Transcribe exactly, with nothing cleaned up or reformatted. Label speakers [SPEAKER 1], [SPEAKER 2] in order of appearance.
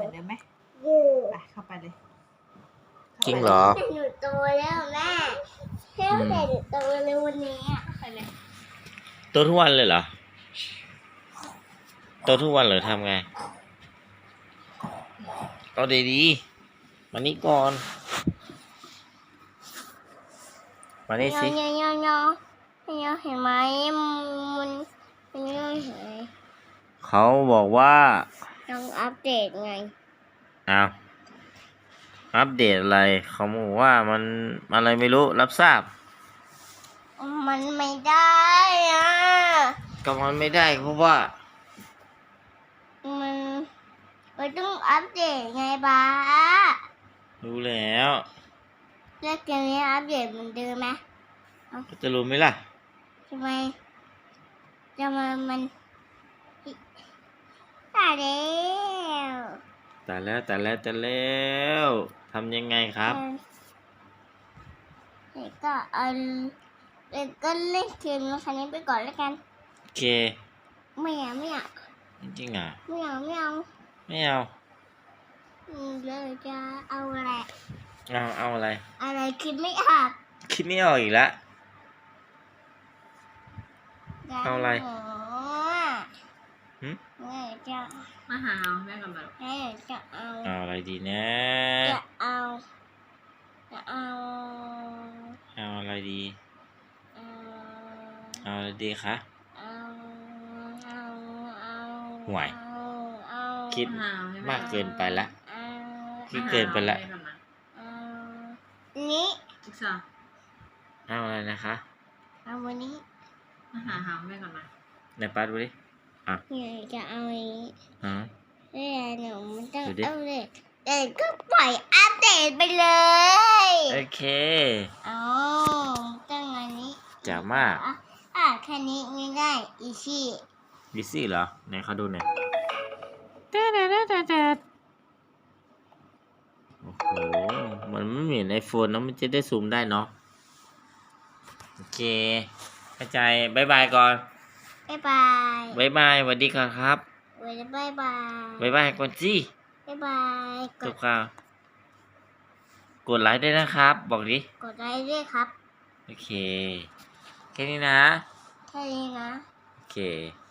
[SPEAKER 1] มือนเดิมไหม
[SPEAKER 2] อยู่
[SPEAKER 1] ไปเข้าไปเลย
[SPEAKER 3] จริงเหรอ
[SPEAKER 2] แต่หนูโตแล้วแม่แค่แต่หนูโตเลยวันนี้อ่ะ
[SPEAKER 1] เข้าไปเลย
[SPEAKER 3] โตทุกวันเลยเหรอโตทุกวันเหรอทำไงเอาดีๆมานี่ก่อนมานี่สิ
[SPEAKER 2] เนาะเนาะเนาะเนาะเห็นไหมมันมันเนาะเห็นไหม
[SPEAKER 3] เขาบอกว่า
[SPEAKER 2] ต้องอัปเดตไง
[SPEAKER 3] เอาอัปเดตอะไรเขาบอกว่ามันอะไรไม่รู้รับทราบ
[SPEAKER 2] มันไม่ได้อ่ะ
[SPEAKER 3] ก็มันไม่ได้เพราะว่า
[SPEAKER 2] มันมันต้องอัปเดตไงบ้า
[SPEAKER 3] รู้แล้ว
[SPEAKER 2] แล้วเกมนี้อัปเดตเหมือนเดิมไหม
[SPEAKER 3] จะรู้ไหมล่ะ
[SPEAKER 2] ทำไมจะมามันตายแล้ว
[SPEAKER 3] แต่แล้วแต่แล้วแต่แล้วทำยังไงครับ
[SPEAKER 2] เด็กก็เอาเด็กก็เล่นเกมคันนี้ไปก่อนแล้วกัน
[SPEAKER 3] โอเค
[SPEAKER 2] ไม่เอาไม่เอา
[SPEAKER 3] จริงๆอ่ะ
[SPEAKER 2] ไม่เอาไม่เอา
[SPEAKER 3] ไม่เอา
[SPEAKER 2] อืมเลยจะเอาอะไร
[SPEAKER 3] เอาเอาอะไร
[SPEAKER 2] อะไรคิดไม่ออก
[SPEAKER 3] คิดไม่ออกอีกแล้ว เอาอะไร
[SPEAKER 2] หนู
[SPEAKER 3] หึ
[SPEAKER 2] แม่จะ
[SPEAKER 1] มาหาเอาแม่กันแบบ
[SPEAKER 2] แม่จะเอา
[SPEAKER 3] เอาอะไรดีนะ
[SPEAKER 2] จะเอาจะเอา
[SPEAKER 3] เอาอะไรดี
[SPEAKER 2] เอา
[SPEAKER 3] เอาอะไรดีคะ
[SPEAKER 2] เอาเอาเอา
[SPEAKER 3] ห่วย
[SPEAKER 2] เอาเอา
[SPEAKER 3] คิด
[SPEAKER 1] มาหาให้แ
[SPEAKER 3] มากเกินไปละ
[SPEAKER 2] เอา
[SPEAKER 3] คิดเกินไปละ
[SPEAKER 1] มาหาเอาแม่กันมา
[SPEAKER 2] เอานี้
[SPEAKER 1] อีกสอง
[SPEAKER 3] เอาอะไรนะคะ
[SPEAKER 2] เอาวันนี้
[SPEAKER 1] มาหาหาแม่กันมา
[SPEAKER 3] ในปัดดูดิ
[SPEAKER 2] อยากจะเอาอันนี้
[SPEAKER 3] อ๋อ
[SPEAKER 2] เอ้ยหนูมันต้อง
[SPEAKER 3] ดูดิ
[SPEAKER 2] เอาเลยเด็กก็ปล่อยอัปเดตไปเลย
[SPEAKER 3] โอเค
[SPEAKER 2] เอาต้องอันนี้
[SPEAKER 3] จ๋ามาก
[SPEAKER 2] อ่ะอ่ะแค่นี้ง่ายๆอีชี่
[SPEAKER 3] ดิซี่เหรอไหนเขาดูหน่อยโอ้โหมันไม่เหมือนไอโฟนนะมันจะได้ซูมได้เนาะโอเคเข้าใจบายบายก่อน
[SPEAKER 2] บ๊ายบาย
[SPEAKER 3] บายบายสวัสดีก่อนครับ
[SPEAKER 2] เว้ยบ๊ายบาย
[SPEAKER 3] บายบายก่อนสิ
[SPEAKER 2] บ๊ายบายก
[SPEAKER 3] จ
[SPEAKER 2] ด
[SPEAKER 3] บข่าวกดไลค์ด้วยนะครับ บอกดิ
[SPEAKER 2] กดไลค์ด้วยครับ
[SPEAKER 3] โอเค แค่นี้นะ
[SPEAKER 2] แค่นี้นะ
[SPEAKER 3] โอเค